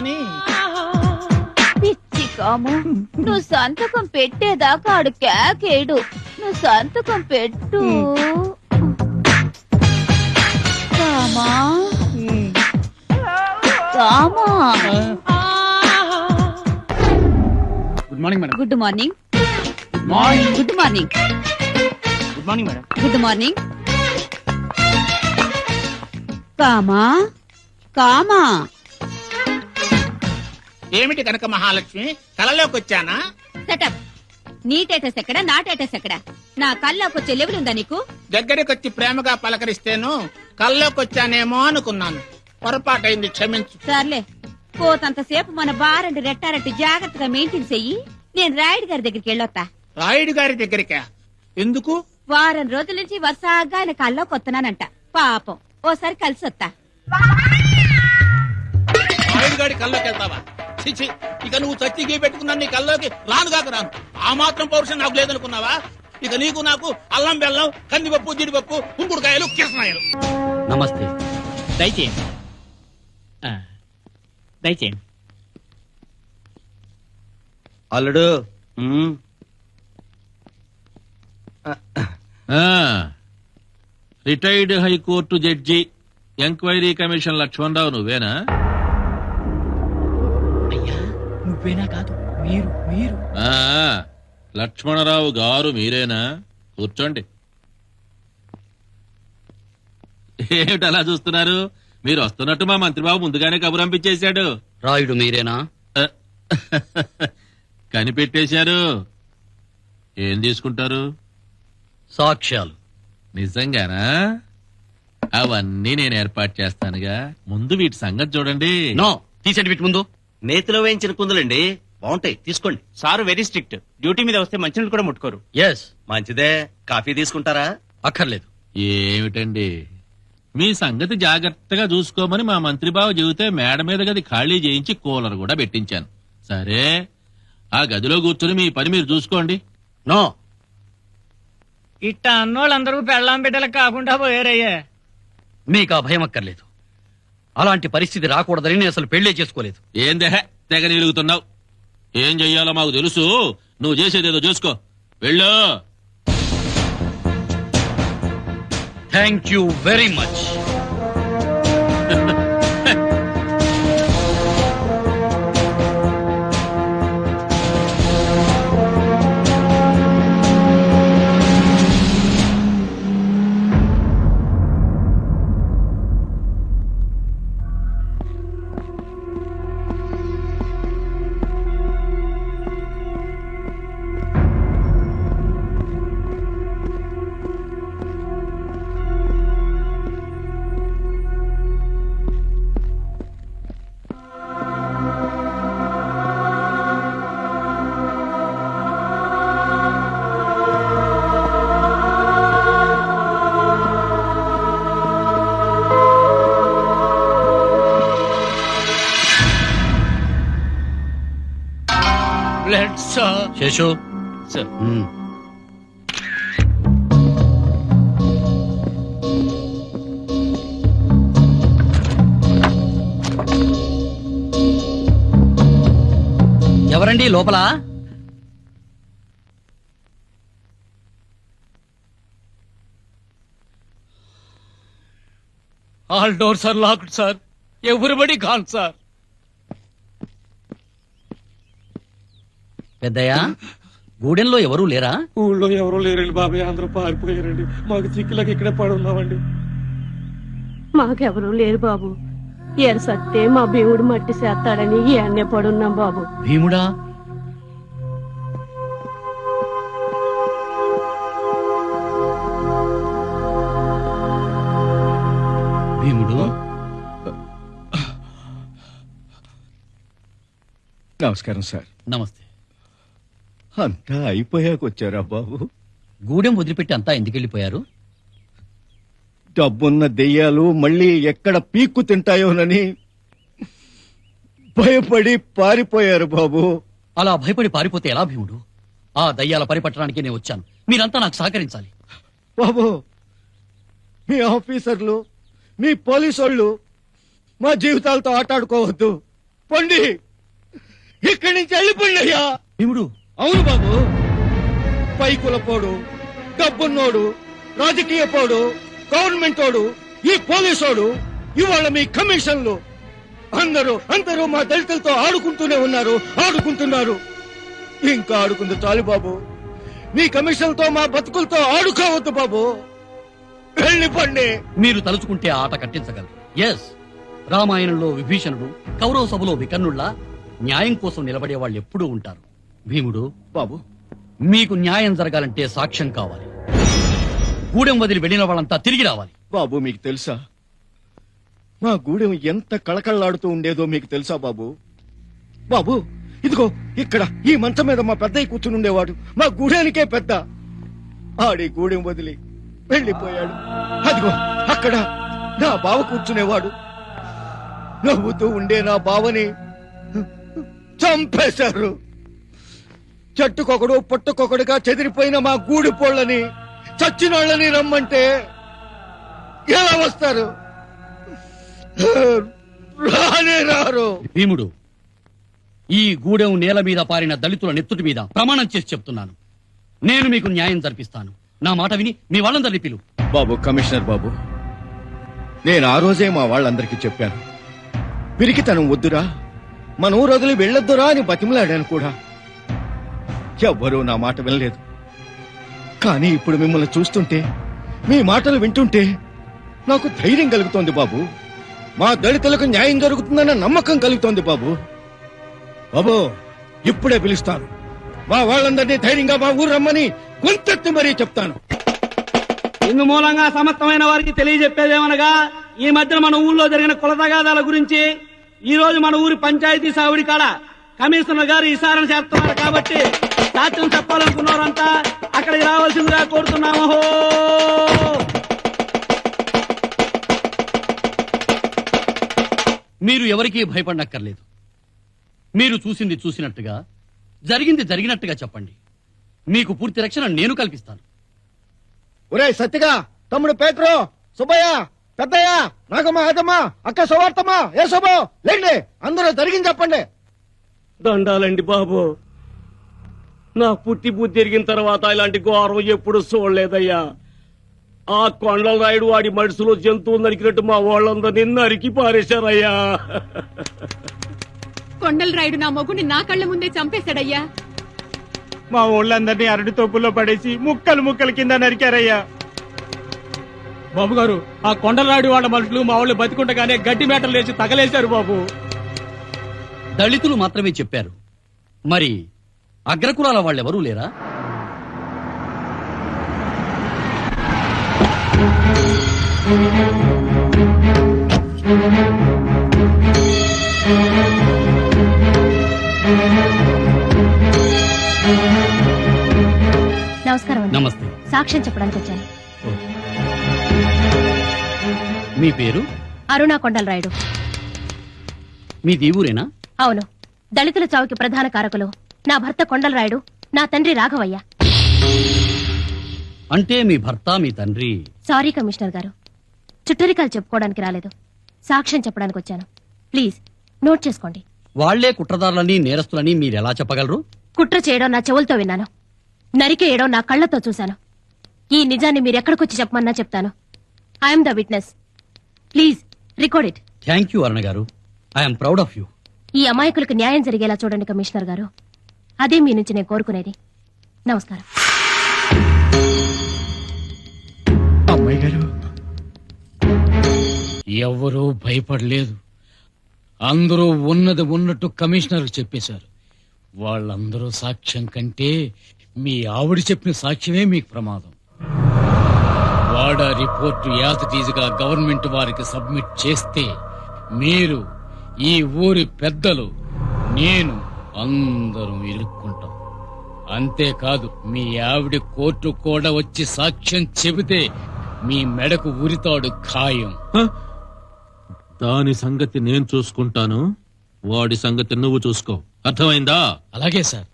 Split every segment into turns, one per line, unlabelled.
అని.
పిచ్చి కాము, నువ్వు సంతకం పెట్టేదాకా ఆడు కేకేడు. నువ్వు సంతకం పెట్టు. కామా కామా.
Good morning madam.
Good morning.
Morning.
Good morning.
Good morning madam.
Good morning. కామా కామా.
ఏమిటి కనుక మహాలక్ష్మి, కలలోకి వచ్చానా?
సెటప్. నీ టేటస్ ఎక్కడ, నా టేటస్ ఎక్కడ? నా కల్లోకి వచ్చే లెవెల్ ఉందా నీకు?
దగ్గరికి వచ్చి ప్రేమగా పలకరిస్తేను కల్లోకి వచ్చానేమో అనుకున్నాను. పొరపాటైంది, క్షమించు.
సర్లే, పోతంతసేపు మన బారండి రెట్టారెట్టి జాగ్రత్తగా మెయింటైన్ చెయ్యి. నేను రాయుడు గారి దగ్గరికి వెళ్ళొత్తా.
రాయుడు గారి దగ్గరికా? ఎందుకు?
వారం రోజుల నుంచి వరుసగా ఆయన కల్లోకి వస్తున్నానంట. పాపం, ఓసారి కలిసి వస్తా.
రాయుడు గారి కల్లోకి వెళ్తావా? చిచి, ఇక నువ్వు చచ్చిగి పెట్టుకున్నా నీ కల్లోకి రాను కాక రాను. ఆ మాత్రం పౌరుషం నాకు లేదనుకున్నావా? ఇక నీకు నాకు అల్లం బెల్లం, కందిపప్పు, జీడిపప్పు, కుంకుడుకాయలు, కిరసనాయలు.
నమస్తే.
దయచేయండి, దయచేయండి.
అల్లుడు.
Retired high court judge enquiry commission Lakshmanarao నువ్వేనా?
అయ్యా, నువ్వేనా? కాదు, మీరు మీరు
ఆ, లక్ష్మణరావు గారు మీరేనా? కూర్చోండి. ఏమిటి అలా చూస్తున్నారు? మీరు వస్తున్నట్టు మా మంత్రిబాబు ముందుగానే కబురు పంపించేశాడు.
రాయుడు మీరేనా?
కనిపెట్టేశారు. ఏం తీసుకుంటారు?
సాక్ష్యాలు.
నిజంగానా? అవన్నీ నేను ఏర్పాటు చేస్తానుగా. ముందు వీటి సంగతి చూడండి.
నో, తీసేటి వీటి ముందు. నేతిలో వేయించిన కుందులండి, బాగుంటాయి, తీసుకోండి.
Sir very strict. డ్యూటీ మీద వస్తే మంచినీళ్ళు కూడా ముట్టుకోరు.
ఎస్, మంచిదే. కాఫీ తీసుకుంటారా? అక్కర్లేదు.
ఏమిటండి, మీ సంగతి జాగ్రత్తగా చూసుకోమని మా మంత్రిబాబు చెబితే మేడ మీద గది ఖాళీ చేయించి కూలర్ కూడా పెట్టించాను. సరే, ఆ గదిలో కూర్చుని మీ పని మీరు చూసుకోండి.
నో,
ఇట్ట అన్నోళ్ళందరూ పెళ్ళాం బిడ్డలకు కాకుండా పోయారయ్యా.
మీకు ఆ భయం అక్కర్లేదు. అలాంటి పరిస్థితి రాకూడదని నేను అసలు పెళ్లే చేసుకోలేదు.
ఏం దేహ తెగ నిలుగుతున్నావు? ఏం చెయ్యాలో మాకు తెలుసు. నువ్వు చేసేదేదో చూసుకో. వెళ్ళు.
Thank you very much. Seshu
sir.
ఎవరండి లోపల?
All doors are locked sir. Everybody gone sir.
పెద్దయ్యా, గూడెంలో ఎవరూ లేరా?
ఊళ్ళో ఎవరూ లేరండి బాబాయ్, అందరూ పారిపోయారండి. మాకు చిక్కులకి ఇక్కడే పడున్నామండి.
మాకెవరూ లేరు బాబు. ఎరసత్తే మా భీముడు మట్టి చేస్తాడని అన్నే పడున్నాం బాబు.
భీముడా? భీముడు?
నమస్కారం సార్.
నమస్తే.
అంతా అయిపోయాకొచ్చారా బాబు?
గూడెం వదిలిపెట్టి అంతా ఎందుకెళ్ళిపోయారు?
డబ్బున్న దెయ్యాలు మళ్ళీ ఎక్కడ పీక్కు తింటాయోనని భయపడి పారిపోయారు బాబు.
అలా భయపడి పారిపోతే ఎలా భీముడు? ఆ దయ్యాల పరిపట్టడానికి నేను వచ్చాను. మీరంతా నాకు సహకరించాలి.
బాబు, మీ ఆఫీసర్లు, మీ పోలీసోళ్ళు మా జీవితాలతో ఆటాడుకోవద్దు. పండి ఇక్కడి నుంచి వెళ్ళిపోండి అయ్యా.
భీముడు,
అవును బాబు, పైకులపోడు, డబ్బున్నోడు, రాజకీయ పోడు, గవర్నమెంట్ వాడు, ఈ పోలీసోడు, ఇవాళ మీ కమిషన్లు అందరూ మా దళితులతో ఆడుకుంటూనే ఆడుకుంటున్నారు. ఇంకా ఆడుకుంది చాలు బాబు. మీ కమిషన్తో మా బతుకులతో ఆడుకోవద్దు బాబు. వెళ్ళిపోండి.
మీరు తలుచుకుంటే ఆ ఆట కట్టించగలరు. ఎస్, రామాయణంలో విభీషణుడు, కౌరవ సభలో వికర్ణుళ్ళ న్యాయం కోసం నిలబడే వాళ్ళు ఎప్పుడూ ఉంటారు. భీముడు
బాబు,
మీకు న్యాయం జరగాలంటే సాక్ష్యం కావాలి. గూడెం వదిలి వెళ్ళిన వాళ్ళంతా తిరిగి రావాలి.
బాబు మీకు తెలుసా మా గూడెం ఎంత కళకళలాడుతూ ఉండేదో మీకు తెలుసా బాబు? బాబు ఇదిగో ఇక్కడ ఈ మంచం మీద మా పెద్దయ్య కూర్చుని ఉండేవాడు. మా గూడెనికే పెద్ద. ఆడి గూడెం వదిలి వెళ్ళిపోయాడు. అదిగో అక్కడ నా బావ కూర్చునేవాడు. నవ్వుతూ ఉండే నా బావని చంపేశారు. చెట్టుకొకడు పుట్టుకొకడుగా చెదిరిపోయిన మా గూడి పోళ్ళని, చచ్చినోళ్ళని రమ్మంటే ఎలా వస్తారు? రానే రారు.
భీముడు, ఈ గూడెం నేల మీద పారిన దళితుల నెత్తుటి మీద ప్రమాణం చేసి చెప్తున్నాను, నేను మీకు న్యాయం జరిపిస్తాను. నా మాట విని మీ వాళ్ళందరినీ పిలు.
బాబు కమిషనర్ బాబు, నేను ఆ రోజే మా వాళ్ళందరికీ చెప్పాను, పిరికితనం వద్దురా, మన ఊరు వదిలి వెళ్ళొద్దురా అని బతిమలాడాను కూడా. ఎవ్వరూ నా మాట వినలేదు. కానీ ఇప్పుడు మిమ్మల్ని చూస్తుంటే, మీ మాటలు వింటుంటే నాకు ధైర్యం కలుగుతోంది బాబు. మా దళితులకు న్యాయం జరుగుతుందన్న నమ్మకం కలుగుతోంది బాబు. బాబు ఇప్పుడే పిలుస్తాను. మా వాళ్ళందరినీ ధైర్యంగా మా ఊరు రమ్మని గొంతెత్తి మరీ చెప్తాను.
ఇందు మూలంగా సమస్తమైన వారికి తెలియజెప్పేదేమనగా, ఈ మధ్యన మన ఊళ్ళో జరిగిన కుల తగాదాల గురించి ఈ రోజు మన ఊరి పంచాయతీ సావిడి కాడ కమిషనర్ గారు విచారణ చేస్తున్నారు. కాబట్టి సాక్ష్యం చెప్పాలనుకున్నారంతా అక్కడికి రావాల్సిందిగా కోరుతున్నాము.
మీరు ఎవరికీ భయపడనక్కర్లేదు. మీరు చూసింది చూసినట్టుగా, జరిగింది జరిగినట్టుగా చెప్పండి. మీకు పూర్తి రక్షణ నేను కల్పిస్తాను.
ఒరే సత్తిగా, తమ్ముడు పేట్రో, సుబ్బయ్య, పెద్దయ్య, నాగమ్మ, ఏదమ్మ, అక్క సువార్తమ్మ, ఏ శుభో లేండి, అందరూ జరిగింది చెప్పండి.
దండాలండి బాబు. నా పుట్టి బుద్ధి ఎరిగిన తర్వాత ఇలాంటి ఘోరం ఎప్పుడు చూడలేదయ్యా. ఆ కొండల రాయుడు వాడి మడుసులో జంతువు నరికినట్టు మా వాళ్ళందరినీ నరికి పారేశారయ్యా.
కొండల రాయుడు నా మొగుని నా కళ్ళ ముందే చంపేశాడయ్యా.
మా ఊళ్ళందరినీ అరటి తొప్పుల్లో పడేసి ముక్కలు ముక్కలు కింద నరికారయ్యా.
బాబు గారు, ఆ కొండలరాడి వాళ్ళ మనుషులు మా వాళ్ళు బతికుండగానే గడ్డి మేటలు లేచి తగలేశారు బాబు.
దళితులు మాత్రమే చెప్పారు, మరి అగ్రకులాల వాళ్ళెవరూ లేరా?
నమస్కారం అండి.
నమస్తే.
సాక్ష్యం చెప్పడానికి వచ్చాను.
మీ పేరు?
అరుణా కొండల రాయుడు.
మీ దేవురేనా?
అవును. దళితుల చావుకి ప్రధాన కారకులు నా భర్త కొండల రాయుడు, నా తండ్రి రాఘవయ్య.
అంటే మీ భర్త మీ తండ్రి.
సారీ కమిషనర్ గారు, చుట్టరికాలు చెప్పుకోవడానికి రాలేదు, సాక్ష్యం చెప్పడానికి వచ్చాను. ప్లీజ్ నోట్ చేసుకోండి.
వాళ్లే కుట్రదారులని, నేరస్తులని మీరెలా చెప్పగలరు?
కుట్ర చేయడం నా చెవులతో విన్నాను, నరికేయడం నా కళ్లతో చూశాను. ఈ నిజాన్ని మీరెక్కడికొచ్చి చెప్పమన్నా చెప్తాను. I'm the witness. Please record it.
Thank you Aruna గారు. I'm proud of you.
ఈ అమాయకులకు న్యాయం జరిగేలా చూడండి కమిషనర్ గారు. అదే మీ నుంచి నేను కోరుకునేది. నమస్కారం.
అమ్మాయి గారు,
ఎవ్వరూ భయపడలేదు. అందరూ ఉన్నది ఉన్నట్టు కమిషనర్ చెప్పేశారు. వాళ్ళందరూ సాక్ష్యం కంటే మీ ఆవిడ చెప్పిన సాక్ష్యమే మీకు ప్రమాదం. వాడా రిపోర్టు యాజిటీజుగా గవర్నమెంట్ వారికి సబ్మిట్ చేస్తే మీరు, ఈ ఊరి పెద్దలు, నేను అందరం ఇరుక్కుంటాం. అంతేకాదు, మీ ఆవిడ కోర్టు కూడా వచ్చి సాక్ష్యం చెబితే మీ మెడకు ఉరితాడు ఖాయం.
దాని సంగతి నేను చూసుకుంటాను, వాడి సంగతి నువ్వు చూసుకో. అర్థమైందా?
అలాగే సార్.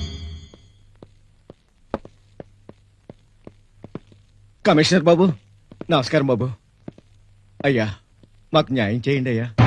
కమిషనర్ బాబు, నమస్కారం బాబు. అయ్యా మాకు న్యాయం చేయండి అయ్యా.